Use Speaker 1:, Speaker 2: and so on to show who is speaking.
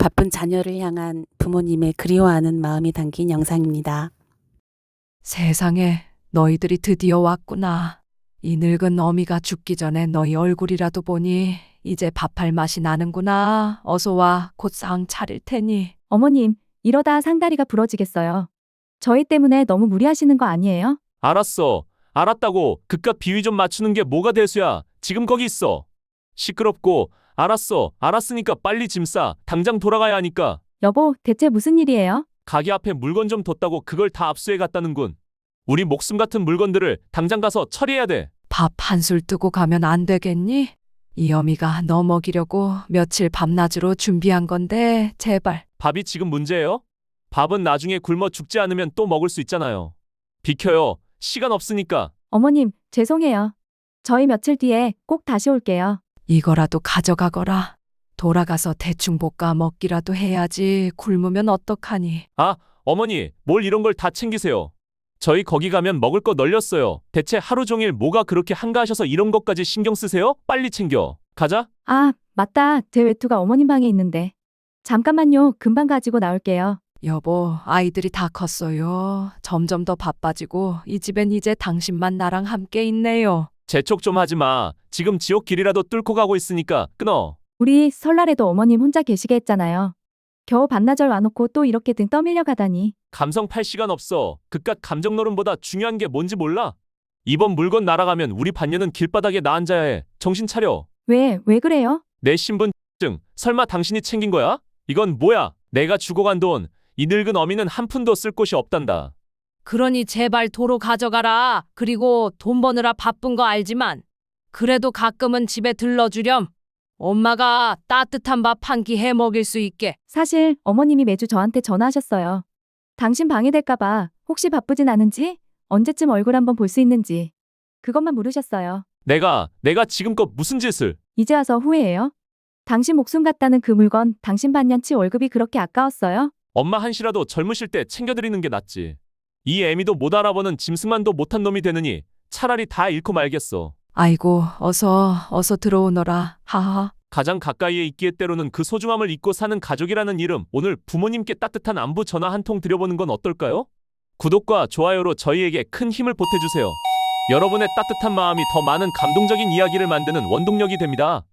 Speaker 1: 바쁜 자녀를 향한 부모님의 그리워하는 마음이 담긴 영상입니다.
Speaker 2: 세상에, 너희들이 드디어 왔구나. 이 늙은 어미가 죽기 전에 너희 얼굴이라도 보니 이제 밥할 맛이 나는구나. 어서 와, 곧 상 차릴 테니.
Speaker 3: 어머님, 이러다 상다리가 부러지겠어요. 저희 때문에 너무 무리하시는 거 아니에요?
Speaker 4: 알았어. 알았다고. 그깟 비위 좀 맞추는 게 뭐가 대수야. 지금 거기 있어. 시끄럽고. 알았어. 알았으니까 빨리 짐 싸. 당장 돌아가야 하니까.
Speaker 3: 여보, 대체 무슨 일이에요?
Speaker 4: 가게 앞에 물건 좀 뒀다고 그걸 다 압수해 갔다는군. 우리 목숨 같은 물건들을 당장 가서 처리해야 돼.
Speaker 2: 밥 한술 뜨고 가면 안 되겠니? 이 어미가 너 먹이려고 며칠 밤낮으로 준비한 건데 제발.
Speaker 4: 밥이 지금 문제예요? 밥은 나중에 굶어 죽지 않으면 또 먹을 수 있잖아요. 비켜요. 시간 없으니까.
Speaker 3: 어머님, 죄송해요. 저희 며칠 뒤에 꼭 다시 올게요.
Speaker 2: 이거라도 가져가거라. 돌아가서 대충 볶아 먹기라도 해야지. 굶으면 어떡하니.
Speaker 4: 아, 어머니, 뭘 이런 걸 다 챙기세요. 저희 거기 가면 먹을 거 널렸어요. 대체 하루 종일 뭐가 그렇게 한가하셔서 이런 것까지 신경 쓰세요? 빨리 챙겨. 가자.
Speaker 3: 아, 맞다. 제 외투가 어머님 방에 있는데. 잠깐만요. 금방 가지고 나올게요.
Speaker 2: 여보, 아이들이 다 컸어요. 점점 더 바빠지고 이 집엔 이제 당신만 나랑 함께 있네요.
Speaker 4: 재촉 좀 하지 마. 지금 지옥 길이라도 뚫고 가고 있으니까 끊어.
Speaker 3: 우리 설날에도 어머님 혼자 계시게 했잖아요. 겨우 반나절 와놓고 또 이렇게 등 떠밀려 가다니.
Speaker 4: 감성 팔 시간 없어. 그깟 감정 노름보다 중요한 게 뭔지 몰라? 이번 물건 날아가면 우리 반년은 길바닥에 나 앉아야 해. 정신 차려.
Speaker 3: 왜 그래요?
Speaker 4: 내 신분증 설마 당신이 챙긴 거야? 이건 뭐야? 내가 주고 간 돈. 이 늙은 어미는 한 푼도 쓸 곳이 없단다.
Speaker 5: 그러니 제발 도로 가져가라. 그리고 돈 버느라 바쁜 거 알지만 그래도 가끔은 집에 들러주렴. 엄마가 따뜻한 밥 한 끼 해 먹일 수 있게.
Speaker 3: 사실 어머님이 매주 저한테 전화하셨어요. 당신 방해될까봐 혹시 바쁘진 않은지, 언제쯤 얼굴 한번 볼 수 있는지. 그것만 물으셨어요.
Speaker 4: 내가 지금껏 무슨 짓을.
Speaker 3: 이제 와서 후회해요? 당신 목숨 같다는 그 물건 당신 반년치 월급이 그렇게 아까웠어요?
Speaker 4: 엄마 한시라도 젊으실 때 챙겨드리는 게 낫지. 이 애미도 못 알아보는 짐승만도 못한 놈이 되느니 차라리 다 잃고 말겠어.
Speaker 2: 아이고, 어서 들어오너라. 하하.
Speaker 4: 가장 가까이에 있기에 때로는 그 소중함을 잊고 사는 가족이라는 이름, 오늘 부모님께 따뜻한 안부 전화 한 통 드려보는 건 어떨까요? 구독과 좋아요로 저희에게 큰 힘을 보태주세요. 여러분의 따뜻한 마음이 더 많은 감동적인 이야기를 만드는 원동력이 됩니다.